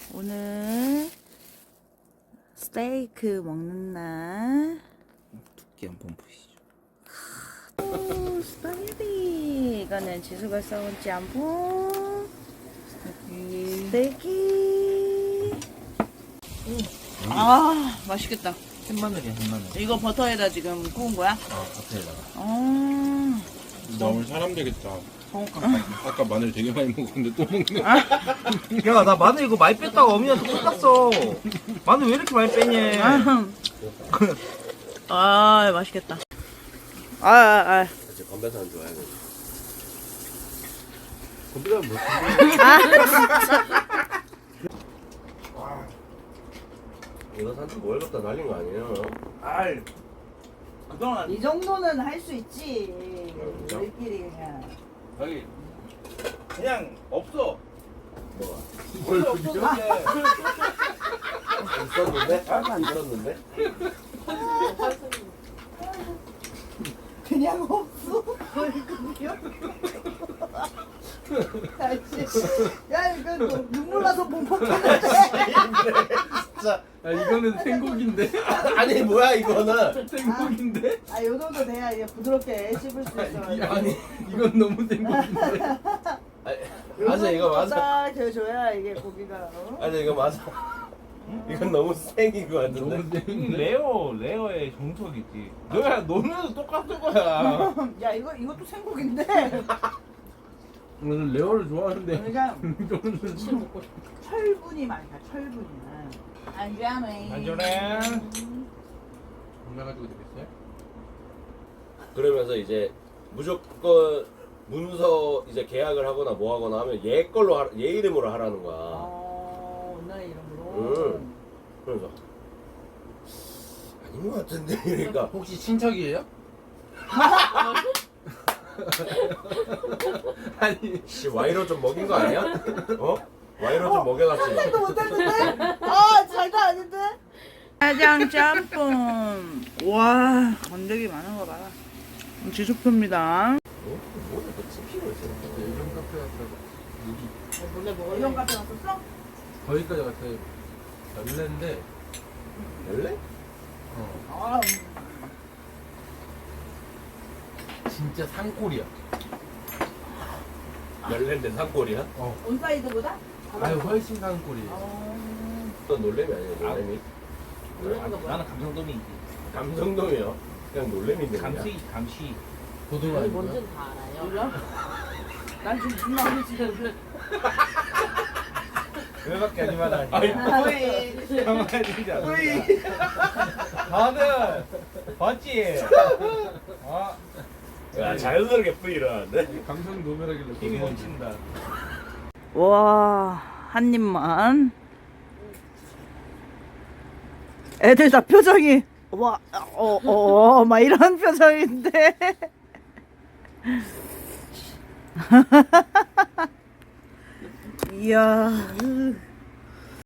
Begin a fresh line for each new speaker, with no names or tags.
오늘 스테이크 먹는 날.
두께 한번 보시죠.
오, 스파게티. 이거는 지수가 써온 짬뽕. 스테이크. 아, 맛있겠다.
햇마늘이야, 햇마늘.
이거 버터에다 지금 구운 거야?
버터에다가.
어.
나 오늘 사람 되겠다. 아까 마늘 되게 많이 먹었는데 또 먹네.
야, 나 마늘 이거 많이 뺐다가 어머니한테 혼났어. 마늘 왜 이렇게 많이 빼니?
아, 맛있겠다. 아.
이제 건배사 안 좋아해. 건배사 뭐? 이거 산지 뭘 갖다 날린 거 아니에요?
아이, 그동안
이 정도는 할 수 있지.
진짜?
우리끼리 그냥.
여기 그냥 없어.
뭐가?
뭘 없었는데.
있었는데? 있었는데?
그냥 없어. 얼굴이요? 야, 이거 눈물 나서 못 먹겠는데.
진짜.
야, 이거는 생고기인데?
아니 뭐야 이거는?
생고기인데?
아, 요 정도 돼야 이게 부드럽게 씹을 수 있어.
아니, 이건 너무 생고기인데?
맞아 이거 맞아.
딱 줘야 이게 고기가. 어?
맞아 이거 맞아. 이건 너무 생인 거 같은데.
레어의 정석이지. 너네도 똑같은 거야.
야, 이것도 생고기인데.
나는 레어를 좋아하는데.
그러니까
이거는
철분이 많다. 철분이. 안전해.
안전해. 건강가지고 되겠어요?
그러면서 이제 무조건 문서 이제 계약을 하거나 뭐 하거나 하면 얘 걸로 얘 이름으로 하라는 거야.
나의 이름으로.
그래서 아닌 것 같은데 그러니까
혹시 친척이에요? 아니,
씨 와이로 좀 먹인 거 아니야? 어? 와이로 좀 먹여놨지.
생각도 못했는데? 아, 잘도 아닌데? 짜장 짬뽕. 와, 건더기 많은 거 봐라. 지수표입니다.
뭐야 너 찝히고 있어.
이런 카페 갔다가
원래 뭐 이런 카페 갔었어?
거기까지 갔어요. 열렸는데
열래?
아,
진짜 산골이야.
열랜데 산골이야?
온사이드보다?
아유, 훨씬 산골이에요.
넌 놀래미 아니야 놀래미?
나는 감성돔이지.
감성돔이요? 그냥 놀래미인데 그냥.
감시.
고등어 아니고요?
뭔지는 다 알아요.
몰라? 난 지금 존나 어리지는데.
그거밖에 아니면 아니야.
아이,
정말 진짜. 다들 봤지? 아,
야 자연스럽게 뿌이 일어나는데?
감성 노멸하길래
힘이
고등어
넘친다.
와, 한 입만. 애들 다 표정이 와, 막 이런 표정인데. 이야.